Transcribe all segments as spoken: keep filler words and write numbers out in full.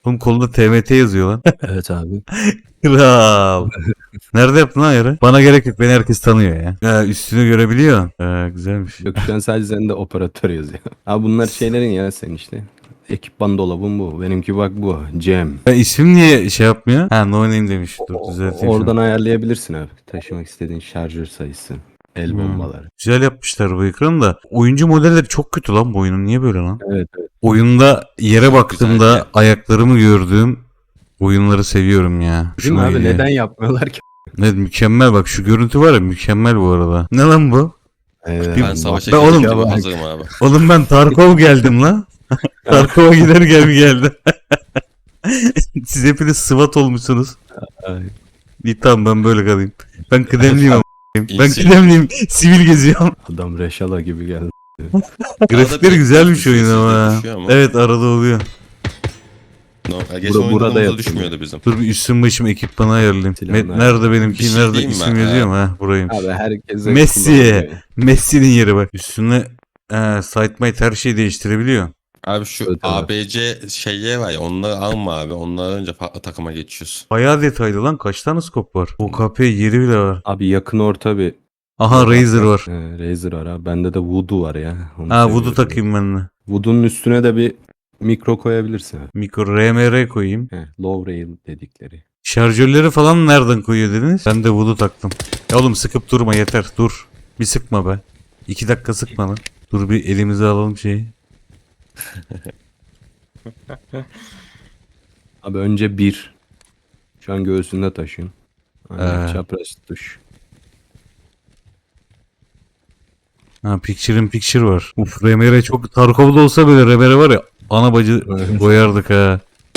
Oğlum kolunda T M T yazıyor lan. Evet abi. Kral. Nerede yaptın lan yarı? Bana gerek yok. Beni herkes tanıyor ya. Ya üstünü görebiliyor. Ee, güzelmiş. Yok şu an sadece sende operatör yazıyor. Abi bunlar şeylerin ya sen işte. Ekipman dolabın bu. Benimki bak bu. Cem. Ya ismim niye şey yapmıyor? Ha no name demiş. Dur O- düzelteyim Oradan şunu. ayarlayabilirsin abi. Taşımak istediğin şarjör sayısı. El Hmm. bombaları. Güzel yapmışlar bu ekranı da. Oyuncu modelleri çok kötü lan bu oyunun. Niye böyle lan? Evet evet. Oyunda yere Çok baktığımda güzel ya. ayaklarımı gördüğüm oyunları seviyorum ya. Değil mi Hoşuma abi? gidiyor. Neden yapmıyorlar ki? Ne mükemmel bak şu görüntü var ya mükemmel bu arada. Ne lan bu? Evet, Bir- Ben savaşa Ben oğlum- girdim bak. hazırım abi. Oğlum ben Tarkov geldim lan. Tarkov'a gider gel geldim. Siz hepiniz SWAT olmuşsunuz. Ay. İyi tamam ben böyle kalayım. Ben kıdemliyim ama. Ben İyisin. kıdemliyim. Sivil geziyorum. Adam Reşala gibi geldi. Grafikleri bir- güzelmiş bir oyun sessizlik ama. düşüyor ama. Evet arada oluyor. No, geçen Bura- oyunda burada burada yapılıyor. düşmüyordu bizim. Dur bir üstüm başım ekipmanı ayarlayayım. Silahını Me- nerede benimki? Bir şey nerede diyeyim mi? isim Ha. yazıyor mu? Ha buraymış. Abi herkese Messi. kullanılıyor. Messi'nin yeri bak. Üstüne e, SiteMate her şeyi değiştirebiliyor. Abi şu Evet, evet. A B C şeyye var ya onları alma abi. Onları önce farklı takıma geçiyoruz. Bayağı detaylı lan. Kaç tane skop var? O K P yeri bile var. Abi yakın orta bir. Aha Razer var. Ee, Razer var abi. Bende de Voodoo var ya. Onu Ha seviyorum. Voodoo takayım ben de. Voodoo'nun üstüne de bir mikro koyabilirsin abi. Mikro R M R koyayım. He, low rail dedikleri. Şarjörleri falan nereden koyuyor dediniz? Ben de Voodoo taktım. Ya oğlum sıkıp durma yeter dur. Bir sıkma be. İki dakika sıkma lan. Dur bir elimize alalım şeyi. Abi önce bir. Şu an göğsünde taşıyorsun. Aynen, Ee. çapraz tuş. Ha Picture in Picture var. Uf R M R çok Tarkov'da olsa böyle R M R var ya. Ana bacı Evet. koyardık ha.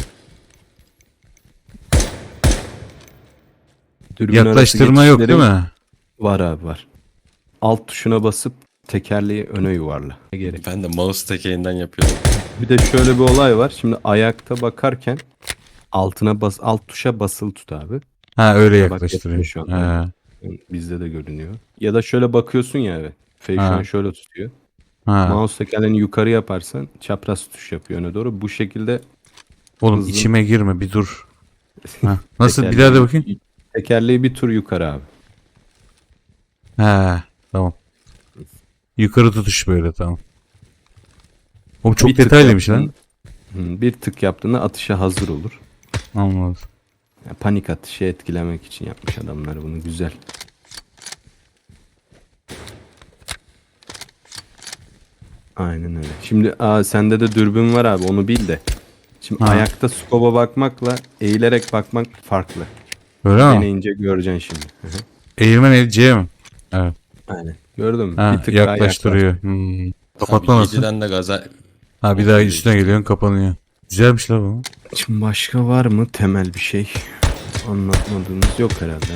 Dürbün arası Yaklaştırma yok değil geçişleri mi? Var abi var. Alt tuşuna basıp tekerleği öne yuvarla. Ne gerek? Ben de mouse tekeğinden yapıyorum. Bir de şöyle bir olay var. Şimdi ayakta bakarken altına bas, alt tuşa basılı tut abi. Ha öyle Bak, yaklaştırıyor. yapıyor şu an. Ha. Bizde de görünüyor. Ya da şöyle bakıyorsun ya abi. Face şu Ha. an şöyle tutuyor. Ha. Mouse tekerleğini yukarı yaparsan çapraz tuş yapıyor öne doğru. Bu şekilde Oğlum hızlı- içime girme bir dur. Ha. Nasıl bir tekerleği- daha da bakayım. Tekerleği bir tur yukarı abi. Ha tamam. Yukarı tutuş böyle tamam. Oğlum çok Bir tık detaylıymış yaptın- lan. Hı, bir tık yaptığında atışa hazır olur. Anladım. Ya panik atışı etkilemek için yapmış adamlar bunu, güzel. Aynen öyle. Şimdi aa, sende de dürbün var abi, onu bil de. Şimdi Ha. ayakta skoba bakmakla eğilerek bakmak farklı. Öyle mi? Deneyince göreceksin şimdi. Hı hı. Eğilmen el C mi? Evet. Aynen. Gördün mü? Ha, bir tık daha yaklaştırıyor. Hmm. Kapatma Abi nasıl? yediden de gaza... Ha bir daha üstüne geliyorsun kapanıyor. Güzelmiş la bu. yaklaş. Şimdi başka var mı temel bir şey? Anlatmadığımız yok herhalde.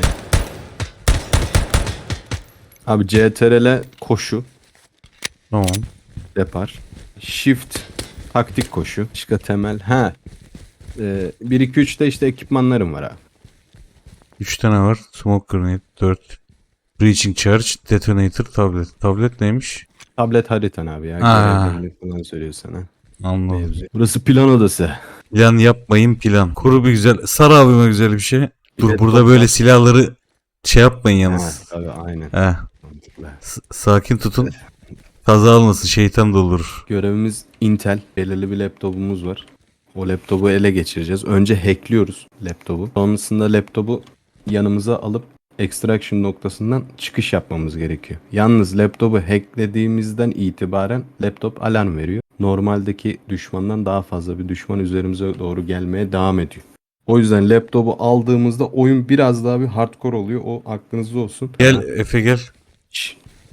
Abi C T R L koşu, Tamam. depar. Shift taktik koşu. Başka temel. Ha. Ee, bir iki üçte işte ekipmanlarım var abi. üç tane var. Smoke grenade dört. Breaching charge, detonator, tablet. Tablet neymiş? Tablet haritan abi ya. Ha. Görevlerini falan söylüyor sana. Anladım. Mevzu. Burası plan odası. Plan yapmayın plan. Kuru bir güzel. Sar abime güzel bir şey. Dur de burada top böyle var. silahları şey yapmayın Ha, yalnız. tabii aynen. Heh. Mantıklı. S- sakin tutun. Kaza almasın şeytan doldurur. Görevimiz Intel. Belirli bir laptopumuz var. O laptopu ele geçireceğiz. Önce hackliyoruz laptopu. Sonrasında laptopu yanımıza alıp extraction noktasından çıkış yapmamız gerekiyor. Yalnız laptopu hacklediğimizden itibaren laptop alarm veriyor. Normaldeki düşmandan daha fazla bir düşman üzerimize doğru gelmeye devam ediyor. O yüzden laptopu aldığımızda oyun biraz daha bir hardcore oluyor. O aklınızda olsun. Gel Efe gel. Şşş.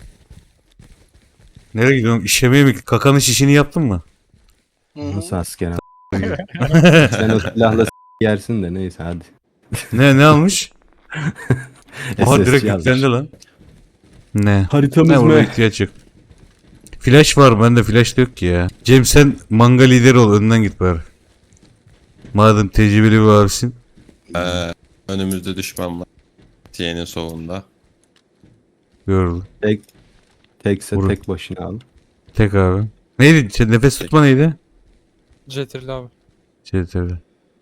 Nereye gidiyorum? İşemeye mi? Kakanın şişini yaptın mı? Nasıl asker a- Sen o silahla s- yersin de neyse hadi. Ne ne almış? Aha S S direkt yazmış. yüklendi lan. Ne? Haritamız Ne burada mı? ihtiyaç yok. Flash var bende flash da yok ki ya. Cem sen manga lideri ol önden git bari. Madem tecrübeli bir abisin. Ee, önümüzde düşman var. T'nin solunda. Gördüm. Tek tekse Vurun. tek başına al. Tek abi. Neydi? Şey, nefes tutma neydi? Jeterli abi. Şey tabii.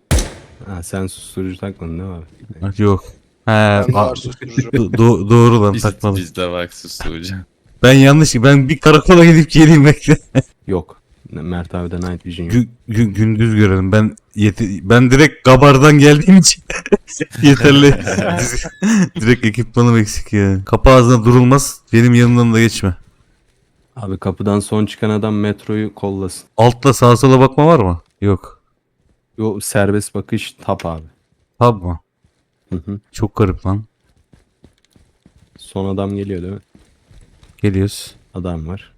Ha, sen susturucu takmadın değil mi abi? Ha, yok. He, Bende a- var susturucu. do- do- doğru lan Biz, takmadım. bizde bak susturucu. Ben yanlış. Ben bir karakola gidip geleyim bekle. Yok. Mert abi de Night Vision yok. Gü- gü- gündüz görelim. Ben yeti- ben direkt Gabar'dan geldiğim için yeterli. Direkt ekipmanım eksik ya. Kapı ağzına durulmaz. Benim yanımdan da geçme. Abi kapıdan son çıkan adam metroyu kollasın. Altta sağa sola bakma var mı? Yok. Yo, serbest bakış tap abi. Tabi mı? Hı hı. Çok garip lan. Son adam geliyor değil mi? Geliyoruz. Adam var.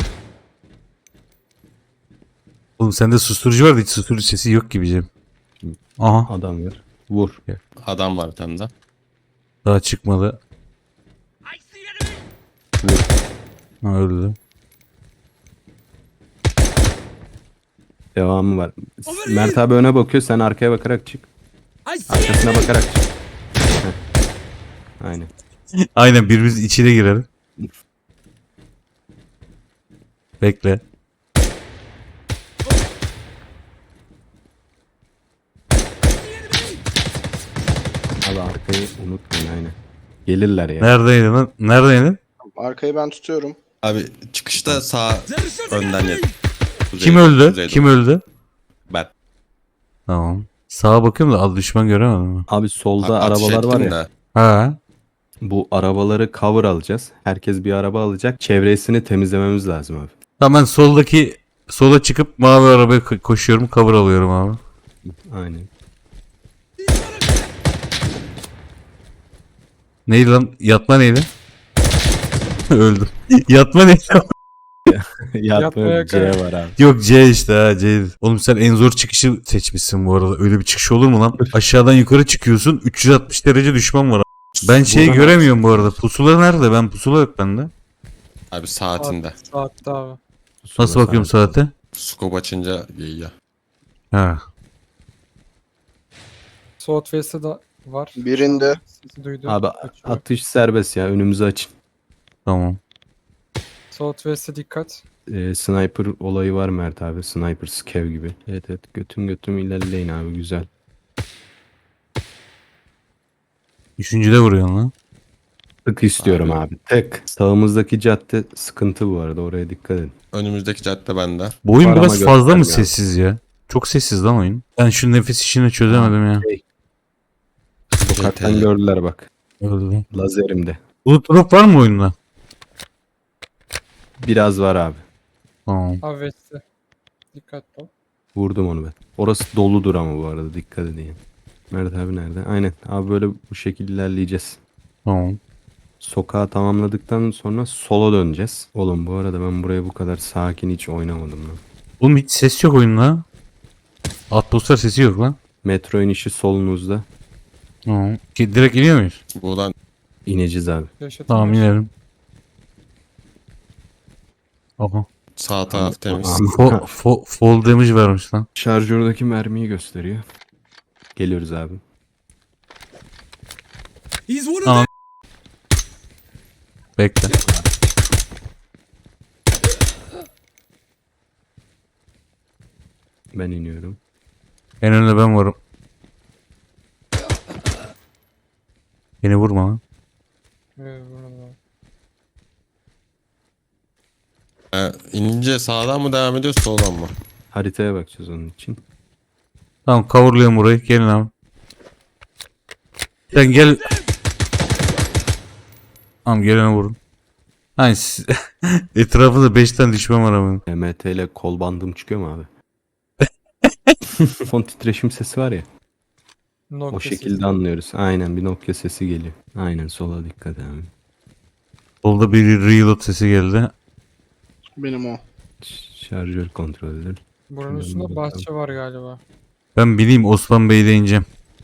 Oğlum sende susturucu var da hiç susturucu sesi yok gibi Cem. Aha. Adam var. Vur. Adam var bir tane de. Daha çıkmadı. Ha, öldü. Devamı var. Mert abi öne bakıyor, sen arkaya bakarak çık. Arkasına bakarak çık. Heh. Aynen. Aynen birbirimiz içine girelim. Bekle. Abi arkayı unutmayın aynen. Gelirler ya. Neredeydin lan? Neredeydin? Arkayı ben tutuyorum. Abi çıkışta sağ önden yet. Kuzey- Kim öldü? kuzeyde. Kim öldü? Ben. Tamam. Sağa bakıyorum da az düşman göremedim. Abi solda Ateş arabalar var ettim ya. de. Ha. Bu arabaları cover alacağız. Herkes bir araba alacak. Çevresini temizlememiz lazım abi. Tamam ben soldaki sola çıkıp mavi arabaya ko- koşuyorum, cover alıyorum abi. Aynen. Neydi lan? Yatma neydi? Öldüm. Yatma neydi? Yatma Yatmaya C karar- var abi. Yok C işte ha C. Oğlum sen en zor çıkışı seçmişsin bu arada. Öyle bir çıkış olur mu lan? Aşağıdan yukarı çıkıyorsun. üç yüz altmış derece düşman var. Ben şeyi Buradan- göremiyorum bu arada. Pusula nerede? Ben pusula yok bende. Abi saatinde. Saatte abi. Nasıl bakıyorum saate? Scope açınca giyiyor. Ha. Southwest'te de var. Birinde. Sesi duydum. Abi Kaçıyor. atış serbest ya, önümüzü açın. Tamam. Southwest'e dikkat. Ee, sniper olayı var Mert abi. Sniper scav gibi. Evet evet, götüm götüm ilerleyin abi, güzel. Üçüncüde vuruyorsun lan. Tık istiyorum Abi. abi. Tek. Sağımızdaki cadde sıkıntı bu arada, oraya dikkat edin. Önümüzdeki cadde bende. Bu oyun Var ama biraz fazla mı göstermiyor. sessiz ya? Çok sessiz lan oyun. Ben şu nefes işini çözemedim ya. Sokaktan G T A. gördüler bak. Öldü. Lazerimde. Bulut drop var mı oyunda? Biraz var abi. Tamam. Abi West'te. Dikkat ol. Vurdum onu ben. Orası doludur ama bu arada, dikkat edin. Mert abi nerede? Aynen. Abi böyle bu şekilde ilerleyeceğiz. Tamam. Sokağı tamamladıktan sonra sola döneceğiz. Oğlum bu arada ben buraya bu kadar sakin hiç oynamadım lan. Oğlum hiç ses yok oyunda. Atmosfer sesi yok lan. Metro inişi solunuzda. Tamam. Ki direkt iniyor muyuz? Buradan İneceğiz abi. Yaşatın. Tamam inelim. Aha. sağ taraf temiz. Fo- fo- fall damage vermiş lan. Şarjördeki mermiyi gösteriyor. Geliyoruz abi. Tamam. Bekle. Ben iniyorum. En önde ben varım. Beni vurma lan. Evet, burada. Ee, inince sağdan mı devam ediyor soldan mı? Haritaya bakacağız onun için. Tamam coverlıyorum burayı. Gelin abi. Sen gel. Tamam gelene vurun. Hani siz... etrafında beş tane düşman var ama. M T ile kol bandım çıkıyor mu abi? Fon titreşim sesi var ya. Nokia O sesi. şekilde anlıyoruz. Aynen, bir Nokia sesi geliyor. Aynen, sola dikkat abi. Solda bir reload sesi geldi. Benim o. Ş- Şarjör kontrol edilir. Buranın Ben üstünde bakalım. bahçe var galiba. Ben bileyim Osman Bey'de ineceğim.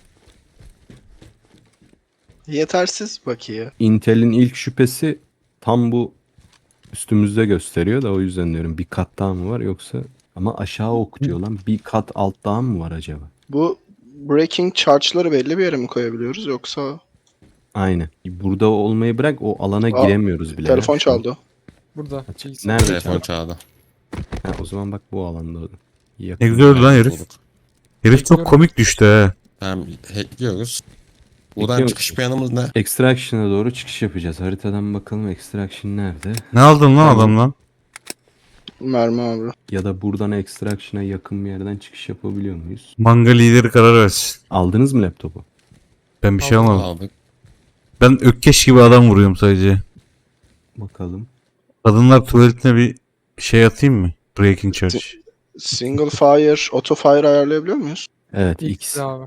Yetersiz bakiye. Intel'in ilk şüphesi tam bu üstümüzde gösteriyor da, o yüzden diyorum bir kat daha mı var yoksa, ama aşağı okutuyor lan, bir kat alt daha mı var acaba? Bu breaking charge'ları belli bir yere mi koyabiliyoruz yoksa? Aynen. Burada olmayı bırak, o alana Aa, giremiyoruz bile. Telefon ya. çaldı. Burada. bilgisayar. Nerede Telefon çaldı? çağırdı. Ha, o zaman bak bu alanda. Yakın. Ne güzel öldü lan herif. Bulduk. Herif çok komik düştü he. Tamam hackliyoruz. Buradan Hackliyoruz. çıkış planımız ne? Extraction'a doğru çıkış yapacağız. Haritadan bakalım Extraction nerede? Ne aldın lan Tamam. adamdan? Mermi abi. Ya da buradan Extraction'a yakın bir yerden çıkış yapabiliyor muyuz? Manga lideri karar versin. Aldınız mı laptopu? Ben bir şey Aldım. almadım. Aldık. Ben ökkeş gibi adam vuruyorum sadece. Bakalım. Kadınlar tuvaletine bir şey atayım mı? Breaking charge. Single fire, auto fire ayarlayabiliyor muyuz? Evet X X. abi.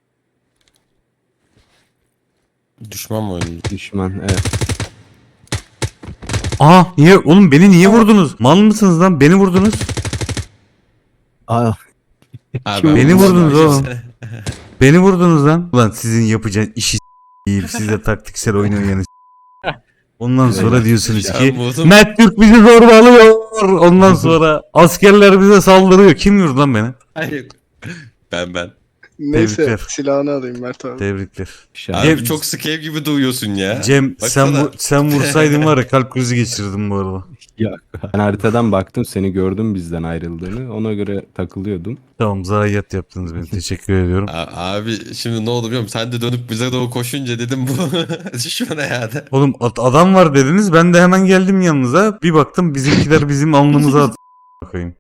Düşman mı oyuncu? Düşman evet. Aa niye oğlum beni niye vurdunuz? Mal mısınız lan? Beni vurdunuz. Aa, Abi, Beni ben- vurdunuz oğlum. Beni vurdunuz lan. Ulan sizin yapacağınız işi s**eyim. Siz de taktiksel oynayanı s**eyim. Ondan sonra Evet. diyorsunuz Ya ki vurdum. Mert Türk bizi zorbalıyor. Ondan sonra askerler bize saldırıyor. Kim vurdu lan beni? Hayır. Ben ben. Neyse Tebrikler. silahını alayım Mert abi. Tebrikler. şahane. Abi Cem- çok scale gibi duyuyorsun ya. Cem sen Baksana. vu- sen vursaydın var ya kalp krizi geçirdim bu arada. Ya, ben haritadan baktım seni gördüm bizden ayrıldığını. Ona göre takılıyordum. Tamam zayiat yaptınız beni. Teşekkür ediyorum. A- Abi şimdi ne oldu biliyor musun? Sen de dönüp bize doğru koşunca dedim bu düşman hayatı. Oğlum at- adam var dediniz. Ben de hemen geldim yanınıza. Bir baktım bizimkiler bizim alnımıza at. Bakayım.